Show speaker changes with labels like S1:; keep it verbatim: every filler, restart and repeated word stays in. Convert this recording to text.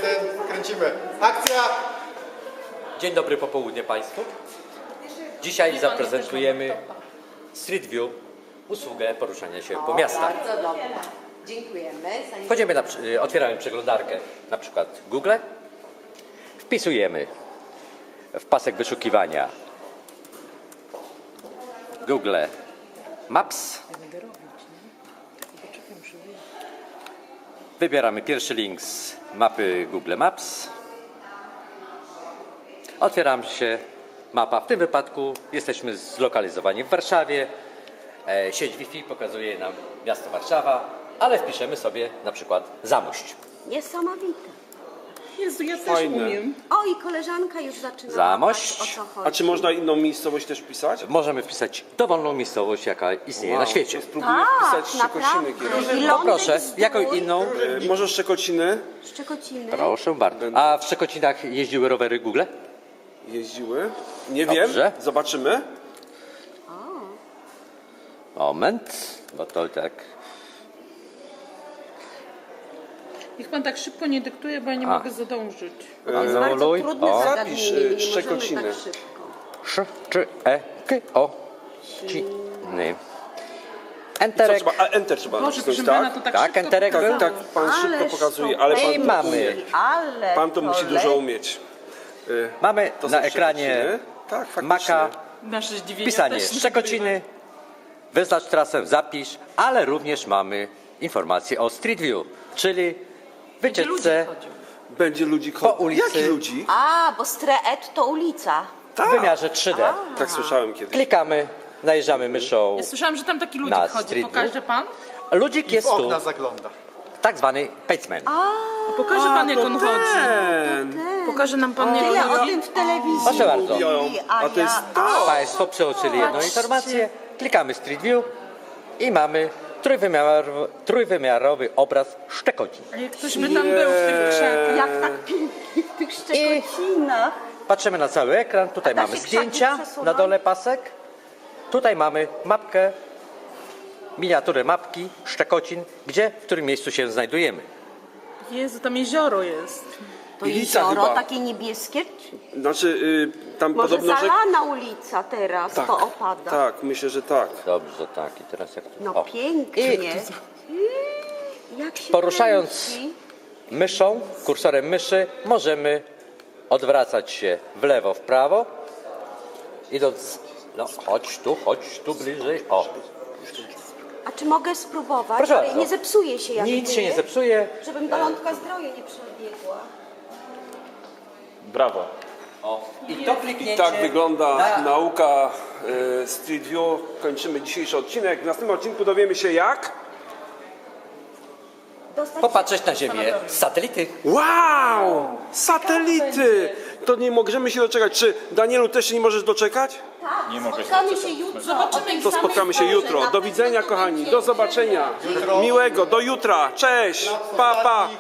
S1: jeden, kręcimy. Akcja!
S2: Dzień dobry popołudnie Państwu. Dzisiaj zaprezentujemy Street View, usługę poruszania się po miastach.
S3: Bardzo dobrze. Dziękujemy.
S2: Wchodzimy na, otwieramy przeglądarkę, na przykład Google. Wpisujemy w pasek wyszukiwania Google Maps. Wybieramy pierwszy link z mapy Google Maps. Otwiera się mapa. W tym wypadku jesteśmy zlokalizowani w Warszawie. E, sieć Wi-Fi pokazuje nam miasto Warszawa, ale wpiszemy sobie na przykład Zamość.
S3: Niesamowite.
S4: Jezu, ja też
S5: Fajne.
S4: umiem.
S3: O, i koleżanka już zaczyna
S2: Zamość.
S3: pytać, o co chodzi.
S5: A czy można inną miejscowość też wpisać?
S2: Możemy wpisać dowolną miejscowość, jaka istnieje na świecie.
S5: To spróbuję
S3: Tak,
S5: wpisać Szczekociny
S3: naprawdę.
S5: kiedyś.
S3: I
S2: No
S3: Lądek
S2: proszę,
S3: Zdrój,
S2: jaką inną?
S5: E, Może Szczekociny
S3: Szczekociny.
S2: Proszę bardzo. A w Szczekocinach jeździły rowery Google?
S5: jeździły? Nie
S2: Dobrze.
S5: wiem, zobaczymy.
S2: Moment, bo to tak...
S4: Niech pan tak szybko nie dyktuje, bo ja nie
S2: A.
S4: mogę zadążyć.
S3: To jest
S2: No,
S3: bardzo
S2: luj.
S3: trudne
S2: O.
S3: zagadnienie,
S5: Zapisz,
S3: nie
S5: y,
S3: możemy
S5: Szczekociny.
S3: tak szybko.
S2: Sz, czy, e, k, o, ci, ny.
S5: Co
S2: Enterek.
S5: trzeba? A Enter trzeba
S4: Boże,
S5: nacisnąć,
S4: proszę pana,
S5: tak?
S4: to tak,
S2: Tak,
S4: szybko
S2: enterek był?
S4: pokazało.
S5: Tak, pan szybko
S3: Ależ
S5: pokazuje,
S3: to
S5: ale pan
S2: I
S5: to
S2: mamy.
S5: umie.
S3: Ale
S5: Pan to musi
S3: le-
S5: dużo umieć. Y,
S2: Mamy
S5: to
S2: na
S5: są
S2: ekranie
S5: Szczekociny. Tak, faktycznie.
S2: Maka,
S4: Nasze zdziwienie
S2: pisanie
S4: też nie
S2: Szczekociny, wyznacz trasę, zapisz, ale również mamy informacje o Street View, czyli
S4: Gdzie ludzie
S2: wycieczce
S4: chodzą.
S5: Będzie ludzi
S2: po
S5: chodzić.
S2: ulicy.
S5: Jakich ludzi?
S3: A, bo Street to ulica.
S2: w wymiarze trzy D.
S5: Tak słyszałem kiedyś.
S2: Klikamy, najeżdżamy myszą.
S4: Ja słyszałam, że tam taki ludzik
S2: Na
S4: chodzi.
S2: Street
S4: Pokaże
S2: View?
S4: pan?
S2: Ludzik
S1: W
S2: jest tu,
S1: okna zagląda.
S2: tak zwany paceman.
S4: Pokaże pan, jak on chodzi.
S5: Ten.
S4: Pokaże nam pan, jak
S3: Tyle
S4: on
S3: o
S4: chodzi.
S3: tym w telewizji
S2: Proszę bardzo.
S3: mówi, a,
S5: A to jest
S3: ja...
S5: to.
S2: Państwo przeoczyli jedną informację, klikamy Street View i mamy trójwymiarowy, trójwymiarowy obraz Szczekocin.
S4: A jak ktoś by tam był w tych krzakach.
S3: Jak tak pięknie w tych Szczekocinach.
S2: Patrzymy na cały ekran, tutaj
S3: A da
S2: mamy
S3: się
S2: zdjęcia,
S3: krzaki przesuwać?
S2: na dole pasek. Tutaj mamy mapkę, miniaturę mapki Szczekocin, gdzie, w którym miejscu się znajdujemy.
S4: Jezu, tam jezioro jest.
S3: To
S5: Ulica
S3: jezioro
S5: chyba.
S3: takie niebieskie?
S5: Znaczy, y, tam
S3: Może
S5: podobno, że...
S3: zalana ulica teraz,
S5: Tak,
S3: to opada.
S5: tak, myślę, że tak.
S2: Dobrze, tak. I teraz jak tu?
S3: No
S2: O.
S3: pięknie.
S2: I
S3: Jak się
S2: poruszając
S3: kręci.
S2: myszą, kursorem myszy, możemy odwracać się w lewo, w prawo. Idąc, no chodź tu, chodź tu bliżej. O,
S3: A czy mogę spróbować?
S2: Proszę
S3: Ale
S2: bardzo.
S3: nie zepsuje się jak
S2: nic się
S3: gdyby,
S2: nie zepsuje.
S3: Żebym do Lądka Zdroju nie przebiegła.
S5: Brawo.
S2: O. I to
S5: I
S2: kliknięcie
S5: tak wygląda
S2: na-
S5: nauka y, Street View. Kończymy dzisiejszy odcinek. W następnym odcinku dowiemy się jak...
S3: Dostać
S2: popatrzeć na Ziemię z satelity.
S5: Wow! Satelity! To nie możemy się doczekać. Czy Danielu też się nie możesz doczekać?
S3: Nie mogę spotkamy się jutro. Zobaczymy,
S5: To spotkamy się jutro. Do widzenia, kochani. Do zobaczenia. Miłego. Do jutra. Cześć. Pa, pa.